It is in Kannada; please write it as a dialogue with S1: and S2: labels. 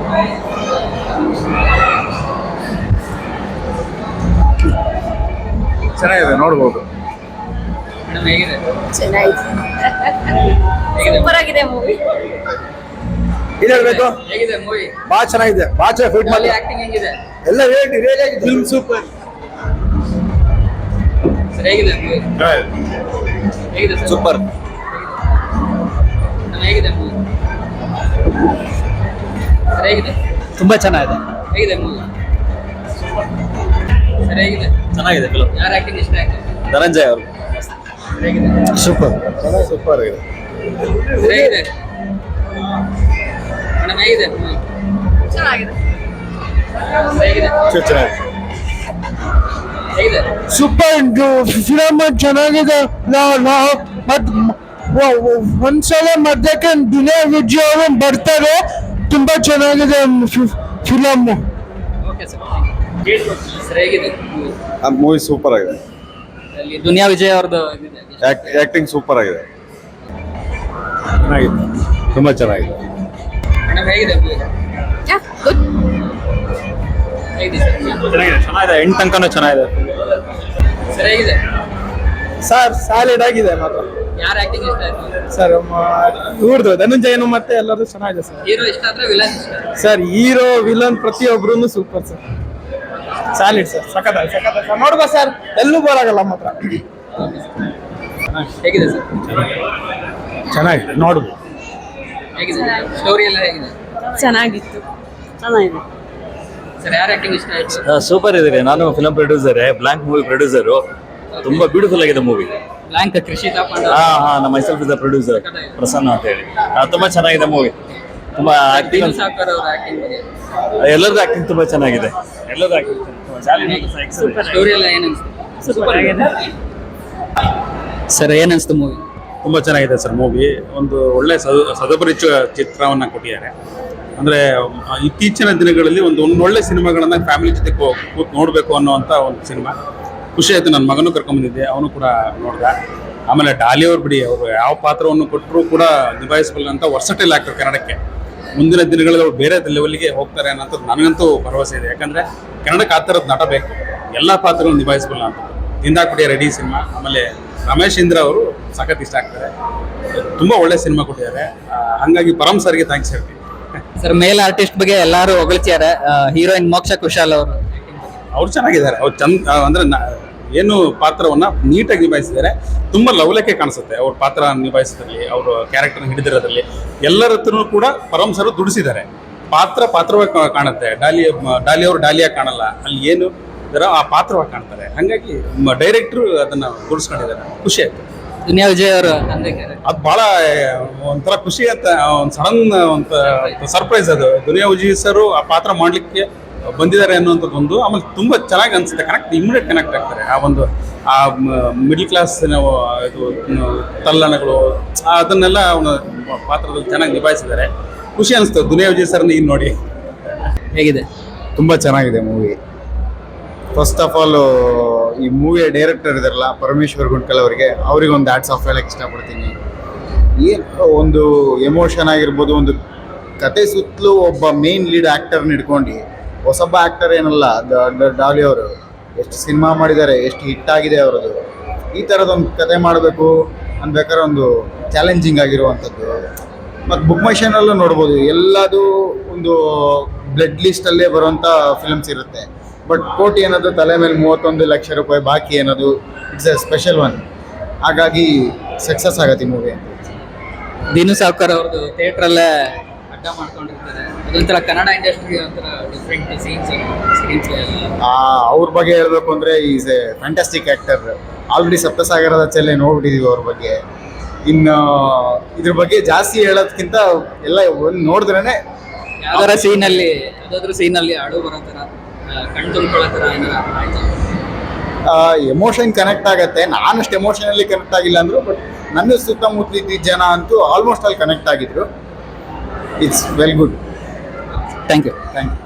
S1: ಚೆನ್ನಾಗಿದೆ, ನೋಡ್ಬೋದು.
S2: ಹೇಗಿದೆ?
S3: ಚೆನ್ನಾಗಿದೆ, ಸೂಪರ್ ಆಗಿದೆ ಮೂವಿ.
S1: ಏನ್ ಹೇಳ್ಬೇಕು?
S2: ಹೇಗಿದೆ ಮೂವಿ?
S1: ಬಹಳ ಚೆನ್ನಾಗಿದೆ, ಬಹಳ ಚೆನ್ನಾಗಿ ಫಿಟ್ ಮಾಡಿ
S2: ಆಕ್ಟಿಂಗ್ ಹೆಂಗಿದೆ
S1: ಎಲ್ಲ ರಿಯಲ್ ಆಗಿದೆ. Film super.
S2: ಸರ್ ಹೇಗಿದೆ ಮೂವಿ? ಹೇಗಿದೆ ಸರ್?
S1: ಸೂಪರ್.
S2: ಹೇಗಿದೆ ಮೂವಿ? ಸರ್ ಹೇಗಿದೆ?
S4: ತುಂಬಾ ಚೆನ್ನಾಗಿದೆ.
S2: ಹೇಗಿದೆ ಮೂವಿ? ಸರ್ ಹೇಗಿದೆ?
S4: ಚೆನ್ನಾಗಿದೆ ಫಿಲಂ.
S2: ಯಾರ ಆಕ್ಟಿಂಗ್ ಇಷ್ಟ ಆಯ್ತು?
S4: ಧನಂಜಯ್ ಅವರು.
S2: ಹೇಗಿದೆ?
S1: ಸೂಪರ್, ಸೂಪರ್ ಆಗಿದೆ.
S2: ಹೇಗಿದೆ ಮೇಡಮ್? ಹೇಗಿದೆ ಮೂವಿ?
S3: ಚೆನ್ನಾಗಿದೆ,
S2: ಹೇಗಿದೆ?
S1: ಚೆನ್ನಾಗಿದೆ.
S2: ಹೇಗಿದೆ?
S5: ಸೂಪರ್ ಫಿಲಮ್ ಚೆನ್ನಾಗಿದೆ. ಒಂದ್ಸಲ ಮಧ್ಯಕ್ಕೆ ದಿನೇ ವಿಜಯ್ ಅವರು ಬರ್ತಾರೆ. ತುಂಬಾ ಚೆನ್ನಾಗಿದೆ ಫಿಲಮ್.
S2: Okay sir. ಸರ್ ಹೇಗಿದೆ ಮೂವಿ?
S1: ಆ ಮೂವಿ ಸೂಪರ್ ಆಗಿದೆ.
S2: ಅಲ್ಲಿ ದುನಿಯಾ ವಿಜಯ್ ಅವ್ರದ್ದು ಇದಿದೆ.
S1: ಆಕ್ಟಿಂಗ್ ಸೂಪರ್ ಆಗಿದೆ. ಚೆನ್ನಾಗಿದೆ, ತುಂಬಾ ಚೆನ್ನಾಗಿದೆ.
S2: ಮೇಡಮ್ ಹೇಗಿದೆ ಮೂವಿ?
S3: ಗುಡ್.
S2: ಹೇಗಿದೆ ಸರ್?
S4: ಚೆನ್ನಾಗಿದೆ, ಎಂಟು ತನಕನೂ ಚೆನ್ನಾಗಿದೆ.
S2: ಸರ್ ಹೇಗಿದೆ?
S5: ಸರ್ ಸಾಲಿಡ್ ಆಗಿದೆ ಮಾತ್ರ.
S2: ಯಾರ ಆಕ್ಟಿಂಗ್ ಇಷ್ಟ ಆಯ್ತು?
S5: ಸರ್ ಇವ್ರದ್ದು ಧನಂಜಯನು ಮತ್ತೆ ಎಲ್ಲರೂ ಚೆನ್ನಾಗಿದೆ ಸರ್.
S2: ಹೀರೋ ಇಷ್ಟ ಆದ್ರೆ ವಿಲನ್ ಇಷ್ಟ?
S5: ಸರ್ ಹೀರೋ ವಿಲನ್ ಪ್ರತಿಯೊಬ್ರು ಸೂಪರ್ ಸರ್. ಸಾಲಿಡ್ ಸರ್, ಸಖತ್ ಸರ್. ನೋಡ್ಬಾ ಸರ್, ಎಲ್ಲೂ ಬರಾಗಲ್ಲ ಮಾತ್ರ.
S2: ಹೇಗಿದೆ ಸರ್?
S1: ಚೆನ್ನಾಗಿದೆ, ನೋಡ್ಬೋದು.
S2: ಹೇಗಿದೆ ಸ್ಟೋರಿ ಎಲ್ಲ ಹೇಗಿದೆ?
S3: ಚೆನ್ನಾಗಿತ್ತು, ಚೆನ್ನಾಗಿದೆ.
S2: ಸರ್ ಯಾರ ಆಕ್ಟಿಂಗ್ ಇಷ್ಟ ಆಯ್ತು?
S4: ಸೂಪರ್ ಇದೆ. ನಾನು film producer, blank movie producer. ತುಂಬಾ ಬ್ಯೂಟಿಫುಲ್ ಆಗಿದೆ ಮೂವಿ.
S2: ಬ್ಲಾಂಕ್ ಕೃಷಿ ತಾಪಂಡ.
S4: ನಮ್ಮ myself is the producer, Prasanna ಅಂತ ಹೇಳಿ. ತುಂಬಾ ಚೆನ್ನಾಗಿದೆ ಮೂವಿ. ತುಂಬಾ ಆಕ್ಟಿಂಗ್,
S2: ಸಾಕರ್ ಅವರ ಆಕ್ಟಿಂಗ್ ಬಗ್ಗೆ
S4: ಎಲ್ಲರದ್ದು ಆಕ್ಟಿಂಗ್ ತುಂಬಾ ಚೆನ್ನಾಗಿದೆ. ಎಲ್ಲರದ್ದು ಆಕ್ಟಿಂಗ್
S2: ಸ್ಟೋರಿ ಎಲ್ಲ ಏನ್ ಅನ್ಸುತ್ತೆ? ಸೂಪರ್ ಆಗಿದೆ ಸರ್. ಏನ್ ಅನ್ಸುತ್ತೆ ಮೂವಿ?
S6: ತುಂಬ ಚೆನ್ನಾಗಿದೆ ಸರ್ ಮೂವಿ. ಒಂದು ಒಳ್ಳೆ ಸದಪರಿಚಯ ಚಿತ್ರವನ್ನು ಕೊಟ್ಟಿದ್ದಾರೆ. ಅಂದರೆ ಇತ್ತೀಚಿನ ದಿನಗಳಲ್ಲಿ ಒಂದು ಒಳ್ಳೆ ಸಿನಿಮಾಗಳನ್ನು ಫ್ಯಾಮಿಲಿ ಜೊತೆ ಕೂತು ನೋಡಬೇಕು ಅನ್ನೋವಂಥ ಒಂದು ಸಿನಿಮಾ. ಖುಷಿ ಆಯಿತು. ನನ್ನ ಮಗನೂ ಕರ್ಕೊಂಬಂದಿದ್ದೆ, ಅವನು ಕೂಡ ನೋಡ್ದ. ಆಮೇಲೆ ಡಾಲಿ ಅವ್ರು ಬಿಡಿ, ಅವರು ಯಾವ ಪಾತ್ರವನ್ನು ಕೊಟ್ಟರೂ ಕೂಡ ನಿಭಾಯಿಸಬಲ್ಲಂಥ ವರ್ಸಟೈಲ್ ಆಕ್ಟರ್ ಕನ್ನಡಕ್ಕೆ. ಮುಂದಿನ ದಿನಗಳಲ್ಲಿ ಅವ್ರು ಬೇರೆ ಲೆವೆಲ್ಗೆ ಹೋಗ್ತಾರೆ ಅನ್ನೋಂಥದ್ದು ನನಗಂತೂ ಭರವಸೆ ಇದೆ. ಯಾಕಂದರೆ ಕನ್ನಡಕ್ಕೆ ಆ ಥರದ ನಟ ಬೇಕು, ಎಲ್ಲ ಪಾತ್ರಗಳನ್ನು ನಿಭಾಯಿಸಬಲ್ಲ ಅಂತ. ದಿಂದಾಕುಡಿಯ ರೆಡಿ ಸಿನಿಮಾ. ಆಮೇಲೆ ರಮೇಶ್ ಇಂದ್ರ ಅವರು ಸಖತ್ ಇಷ್ಟ ಆಗ್ತಾರೆ. ತುಂಬ ಒಳ್ಳೆ ಸಿನಿಮಾ ಕೊಟ್ಟಿದ್ದಾರೆ. ಹಾಗಾಗಿ ಪರಮ್ ಸರ್ಗೆ ಥ್ಯಾಂಕ್ಸ್ ಹೇಳ್ತೀನಿ.
S2: ಸರ್ ಮೇಲ್ ಆರ್ಟಿಸ್ಟ್ ಬಗ್ಗೆ ಎಲ್ಲರೂ ಹೊಗಳ್ತಿದ್ದಾರೆ. ಹೀರೋಯಿನ್ ಮೋಕ್ಷಾ ಕುಶಾಲ್ ಅವರು
S6: ಅವ್ರು ಚೆನ್ನಾಗಿದ್ದಾರೆ. ಅವ್ರು ಅಂದರೆ ಏನು ಪಾತ್ರವನ್ನು ನೀಟಾಗಿ ನಿಭಾಯಿಸಿದ್ದಾರೆ. ತುಂಬ ಲವಲಕ್ಕೆ ಕಾಣಿಸುತ್ತೆ ಅವ್ರ ಪಾತ್ರ ನಿಭಾಯಿಸೋದ್ರಲ್ಲಿ, ಅವರು ಕ್ಯಾರೆಕ್ಟರ್ನ ಹಿಡಿದಿರೋದ್ರಲ್ಲಿ. ಎಲ್ಲರ ಹತ್ರನೂ ಕೂಡ ಪರಮ್ ಸರ್ ದುಡಿಸಿದ್ದಾರೆ. ಪಾತ್ರವಾಗಿ ಕಾಣುತ್ತೆ. ಡಾಲಿ ಅವರು ಡಾಲಿಯಾಗಿ ಕಾಣಲ್ಲ, ಅಲ್ಲಿ ಏನು ಇದರ ಆ ಪಾತ್ರವಾಗಿ ಕಾಣ್ತಾರೆ. ಹಾಗಾಗಿ ಡೈರೆಕ್ಟ್ರು ಅದನ್ನು ಕೂರಿಸ್ಕೊಂಡಿದ್ದಾರೆ. ಖುಷಿ ಆಯ್ತು.
S2: ದುನಿಯಾ ವಿಜಯ್ ಅವರು
S6: ಅದು ಭಾಳ ಒಂಥರ ಖುಷಿ ಅಂತ, ಒಂದು ಸಡನ್ ಒಂದು ಸರ್ಪ್ರೈಸ್ ಅದು. ದುನಿಯಾ ವಿಜಯ್ ಸರ್ ಆ ಪಾತ್ರ ಮಾಡಲಿಕ್ಕೆ ಬಂದಿದ್ದಾರೆ ಅನ್ನೋಂಥದ್ದು ಒಂದು. ಆಮೇಲೆ ತುಂಬ ಚೆನ್ನಾಗಿ ಅನಿಸುತ್ತೆ, ಇಮಿಡಿಯೇಟ್ ಕನೆಕ್ಟ್ ಆಗ್ತಾರೆ. ಆ ಮಿಡ್ಲ್ ಕ್ಲಾಸ್ ಇದು ತಲ್ಲಣಗಳು ಅದನ್ನೆಲ್ಲ ಅವನ ಪಾತ್ರದಲ್ಲಿ ಚೆನ್ನಾಗಿ ನಿಭಾಯಿಸಿದ್ದಾರೆ. ಖುಷಿ ಅನಿಸ್ತು ದುನಿಯಾ ವಿಜಯ್ ಸರ್ನ ಈಗ ನೋಡಿ.
S2: ಹೇಗಿದೆ?
S1: ತುಂಬ ಚೆನ್ನಾಗಿದೆ ಮೂವಿ. ಫಸ್ಟ್ ಆಫ್ ಆಲ್ ಈ ಮೂವಿಯ ಡೈರೆಕ್ಟರ್ ಇದಾರಲ್ಲ ಪರಮೇಶ್ವರ್ ಗುಂಡ್ಕಲ್ ಅವರಿಗೆ ಒಂದು ಹ್ಯಾಟ್ಸ್ ಆಫ್ ಹೇಳಕ್ಕೆ ಇಷ್ಟಪಡ್ತೀನಿ. ಏನು ಒಂದು ಎಮೋಷನ್ ಆಗಿರ್ಬೋದು, ಒಂದು ಕತೆ ಸುತ್ತಲೂ ಒಬ್ಬ ಮೇನ್ ಲೀಡ್ ಆ್ಯಕ್ಟರ್ನ ಹಿಡ್ಕೊಂಡು, ಹೊಸೊಬ್ಬ ಆ್ಯಕ್ಟರ್ ಏನಲ್ಲ, ಡಾಲಿ ಅವರು ಎಷ್ಟು ಸಿನಿಮಾ ಮಾಡಿದ್ದಾರೆ, ಎಷ್ಟು ಹಿಟ್ ಆಗಿದೆ ಅವರದು. ಈ ಥರದೊಂದು ಕತೆ ಮಾಡಬೇಕು ಅನ್ಬೇಕಾದ್ರೆ ಒಂದು ಚಾಲೆಂಜಿಂಗ್ ಆಗಿರುವಂಥದ್ದು. ಮತ್ತು ಬುಕ್ ಮೈ ಶೋನಲ್ಲೂ ನೋಡ್ಬೋದು, ಎಲ್ಲದು ಒಂದು ಬ್ಲಡ್ ಲಿಸ್ಟಲ್ಲೇ ಬರುವಂಥ ಫಿಲ್ಮ್ಸ್ ಇರುತ್ತೆ. ಬಟ್ ಕೋಟಿ ಅನ್ನೋದು ತಲೆ ಮೇಲೆ 31 ಲಕ್ಷ ರೂಪಾಯಿ ಬಾಕಿ ಅನ್ನೋದು ಇಟ್ಸ್ ಎ ಸ್ಪೆಷಲ್ ಒನ್. ಹಾಗಾಗಿ ಸಕ್ಸಸ್ ಆಗತ್ತೆ ಈ ಮೂವಿ ಅಂತ.
S2: ದೀನು ಸಾವ್ಕರ್ ಅವ್ರದ್ದು ಥಿಯೇಟ್ರಲ್ಲೇ ಅಡ್ಡ ಮಾಡ್ಕೊಂಡಿರ್ತಾರೆ. ಅದೊಂಥರ ಕನ್ನಡ ಇಂಡಸ್ಟ್ರಿಗೆ ಒಂಥರ ಡಿಫ್ರೆಂಟ್ ಸೀನ್ಸ್
S1: ಅವ್ರ ಬಗ್ಗೆ ಹೇಳಬೇಕು ಅಂದರೆ is a fantastic actor. Already ಸಪ್ತಸಾಗರದ ಚೆಲ್ಲೆ ನೋಡ್ಬಿಟ್ಟಿದ್ದೀವಿ ಅವ್ರ ಬಗ್ಗೆ. ಇನ್ನು ಇದ್ರ ಬಗ್ಗೆ ಜಾಸ್ತಿ ಹೇಳೋದಕ್ಕಿಂತ ಎಲ್ಲ ಒಂದು ನೋಡಿದ್ರೇ
S2: ಯಾವ್ದಾರ ಸೀನಲ್ಲಿ ಅಳು ಬರೋ ಥರ, ಕಣ್ ತುಂಬ್ಕೊಳ್ಳೋ ಥರ ಏನಾರ ಆಯ್ತು?
S1: ಎಮೋಷನ್ ಕನೆಕ್ಟ್ ಆಗುತ್ತೆ. ನಾನಷ್ಟು ಎಮೋಷನಲ್ಲಿ ಕನೆಕ್ಟ್ ಆಗಿಲ್ಲ ಅಂದರು, ಬಟ್ ನನ್ನ ಸುತ್ತಮುತ್ತ ಇದ್ದಿದ್ದ ಜನ ಅಂತೂ ಆಲ್ಮೋಸ್ಟ್ ಅಲ್ಲಿ ಕನೆಕ್ಟ್ ಆಗಿದ್ರು. It's well good.
S2: Thank you.
S1: Thank you.